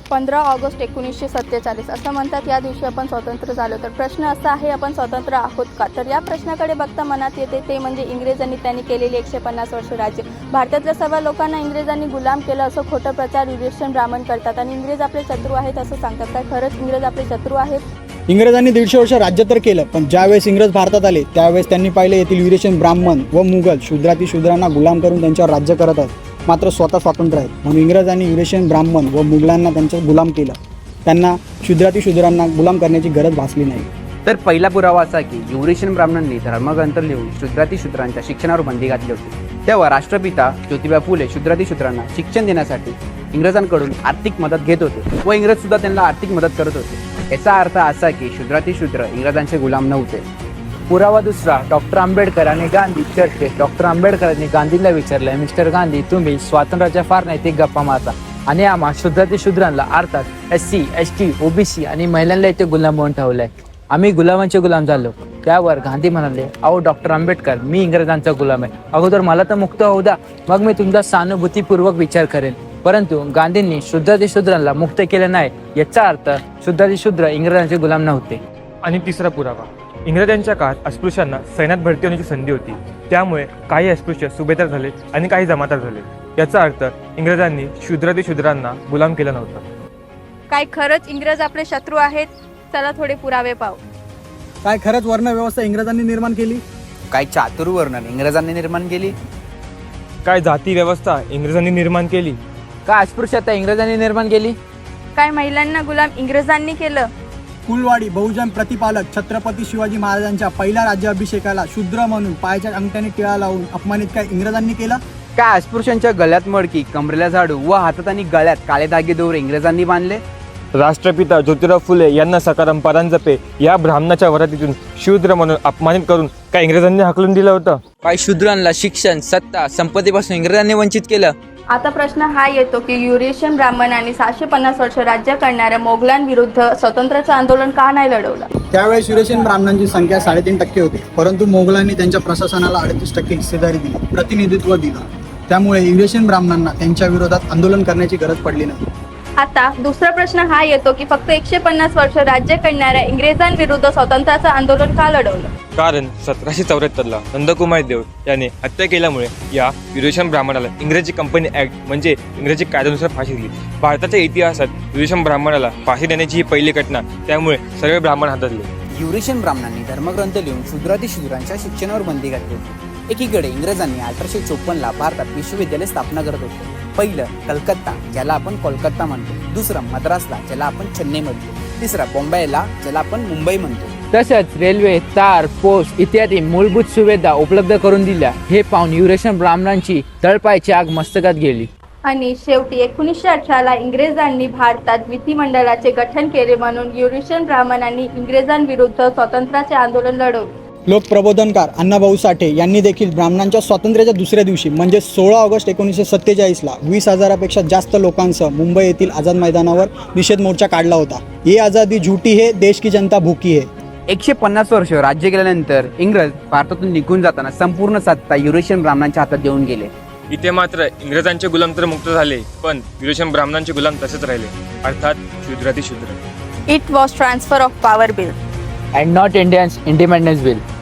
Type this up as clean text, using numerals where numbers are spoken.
15 August 1947 असं म्हणतात या दिवशी आपण स्वतंत्र झालो. तर प्रश्न असा आहे, आपण स्वतंत्र आहोत का? तर या प्रश्नाकडे बघता मनात येते ते म्हणजे इंग्रजांनी त्यांनी केलेली 150 वर्ष राज्य. भारतातल्या सर्व लोकांना इंग्रजांनी गुलाम केलं असं खोटं प्रचार युरेशियन ब्राह्मण करतात आणि इंग्रज आपले शत्रू आहेत असं सांगतात. काय खरंच इंग्रज आपले शत्रू आहेत? इंग्रजांनी 150 वर्ष राज्य तर केलं, पण ज्यावेळेस इंग्रज भारतात आले त्यावेळेस त्यांनी पाहिले येथील युरेशियन ब्राह्मण व मुघल शूद्रांना गुलाम करून त्यांच्यावर राज्य करत आहेत, मात्र स्वतः स्वतंत्र आहेत. म्हणून इंग्रजांनी युरेशियन ब्राह्मण व मुघलांना त्यांच्यावर गुलाम केलं. त्यांना शूद्रांना गुलाम करण्याची गरज भासली नाही. तर पहिला पुरावा असा की युरेशियन ब्राह्मणांनी धर्मग्रंथ लिहून शूद्रांच्या शिक्षणावर बंदी घातली होती. तेव्हा राष्ट्रपिता ज्योतिबा फुले शूद्रांना शिक्षण देण्यासाठी इंग्रजांकडून आर्थिक मदत घेत होते व इंग्रज सुद्धा त्यांना आर्थिक मदत करत होते. याचा अर्थ असा की शूद्र इंग्रजांचे गुलाम नव्हते. पुरावा दुसरा, डॉक्टर आंबेडकर आणि गांधी चर्चेत डॉक्टर आंबेडकरांनी गांधीला विचारले, मिस्टर गांधी, तुम्ही स्वातंत्र्याच्या फार नैतिक गप्पा मारता आणि आम्हा शूद्रांना अर्थात SC, ST, OBC आणि महिलांना इथे गुलाम म्हणून ठेवलंय. आम्ही गुलामांचे गुलाम झालो. त्यावर गांधी म्हणाले, अहो डॉक्टर आंबेडकर, मी इंग्रजांचा गुलाम आहे. अगोदर मला तर मुक्त होऊ द्या, मग मी तुमचा सहानुभूतीपूर्वक विचार करेन. परंतु गांधींनी शूद्रांना मुक्त केले नाही. याचा अर्थ शूद्र इंग्रजांचे गुलाम नव्हते. आणि तिसरा पुरावा, इंग्रजांच्या काळात अस्पृश्यांना सैन्यात भरती होण्याची संधी होती. त्यामुळे काही अस्पृश्य सुभेदार झाले आणि काही जमादार झाले. याचा अर्थ इंग्रजांनी शूद्रांना गुलाम केलं नव्हतं. काय खरंच इंग्रज आपले शत्रू आहेत? चला थोडे पुरावे पाहू. काय खरंच वर्ण व्यवस्था इंग्रजांनी निर्माण केली? काय चातुर्वर्णन इंग्रजांनी निर्माण केली? काय जाती व्यवस्था इंग्रजांनी निर्माण केली? काय अस्पृश्यता इंग्रजांनी निर्माण केली? काय महिलांना गुलाम इंग्रजांनी केलं? कुलवाडी बहुजन प्रतिपालक छत्रपती शिवाजी महाराजांच्या पहिल्या राज्याभिषेकाला शूद्र म्हणून पायाच्या अंगठ्याने टिळा लावून अपमानित काय इंग्रजांनी केलं? काय अस्पृश्यांच्या गळ्यात मडकी, कमरेला झाडू व हातात आणि गळ्यात काळे धागे दोरे इंग्रजांनी बांधले? राष्ट्रपिता ज्योतिराव फुले यांना सकाराम परांजपे या ब्राह्मणाच्या वरातीतून शूद्र म्हणून अपमानित करून काय इंग्रजांनी हाकलून दिलं होतं? काय शूद्रांना शिक्षण, सत्ता, संपत्तीपासून इंग्रजांनी वंचित केलं? आता प्रश्न हा येतो की युरेशियन ब्राह्मणांनी 750 वर्ष राज्य करणाऱ्या मोगलांविरुद्ध स्वातंत्र्याचं आंदोलन का नाही लढवलं? त्यावेळेस युरेशियन ब्राह्मणांची संख्या 3.5% होती, परंतु मोगलांनी त्यांच्या प्रशासनाला 38% हिस्सेदारी दिली, प्रतिनिधित्व दिलं. त्यामुळे युरेशियन ब्राह्मणांना त्यांच्या विरोधात आंदोलन करण्याची गरज पडली नाही. आता दुसरा प्रश्न हा येतो की फक्त 150 वर्ष राज्य करणाऱ्या इंग्रजांविरुद्ध स्वातंत्र्याचं आंदोलन का लढवलं? कारण 1774ला नंदकुमार देव याने हत्या केल्यामुळे या युरेशियन ब्राह्मणाला इंग्रजी कंपनी ऍक्ट म्हणजे इंग्रजी कायद्यानुसार फाशी दिली. भारताच्या इतिहासात युरेशियन ब्राह्मणाला फाशी देण्याची ही पहिली घटना. त्यामुळे सर्व ब्राह्मण हातातले. युरेशियन ब्राह्मणांनी धर्मग्रंथ लिहून शूद्रांच्या शिक्षणावर बंदी घातली होती. एकीकडे इंग्रजांनी 1854ला भारतात विश्वविद्यालय स्थापना करत होते. पहिलं कलकत्ता, ज्याला आपण कोलकाता म्हणतो. दुसरं मद्रासला, ज्याला आपण चेन्नई म्हणतो. तिसरा बॉम्बेला, ज्याला आपण मुंबई म्हणतो. तसंच रेल्वे, तार, पोस्ट इत्यादी मूलभूत सुविधा उपलब्ध करून दिल्या. हे पाहून युरेशियन ब्राह्मणांची तळपायाची आग मस्तकात गेली. आणि शेवटी 1918ला इंग्रजांनी भारतात विधिमंडळाचे गठन केले. म्हणून युरेशियन ब्राह्मणांनी इंग्रजांविरुद्ध स्वातंत्र्याचे आंदोलन लढवले. लोकप्रबोधनकार अण्णाभाऊ साठे यांनी देखील ब्राह्मणांच्या स्वातंत्र्याच्या दुसऱ्या दिवशी म्हणजे 16 ऑगस्ट 1947ला 20,000पेक्षा जास्त लोकांसह मुंबई येथील आझाद मैदानावर निषेध मोर्चा काढला होता. ये आझादी झूठी है, देश की जनता भूकी है. 150 वर्ष राज्य केल्यानंतर इंग्रज भारतातून निघून जाताना संपूर्ण सत्ता युरेशियन ब्राह्मणांच्या हातात देऊन गेले. इथे मात्र इंग्रजांचे गुलाम तर मुक्त झाले, पण युरेशियन ब्राह्मणांचे गुलाम तसेच राहिले, अर्थात शूद्र. It was transfer of power bill and not Indians independence bill.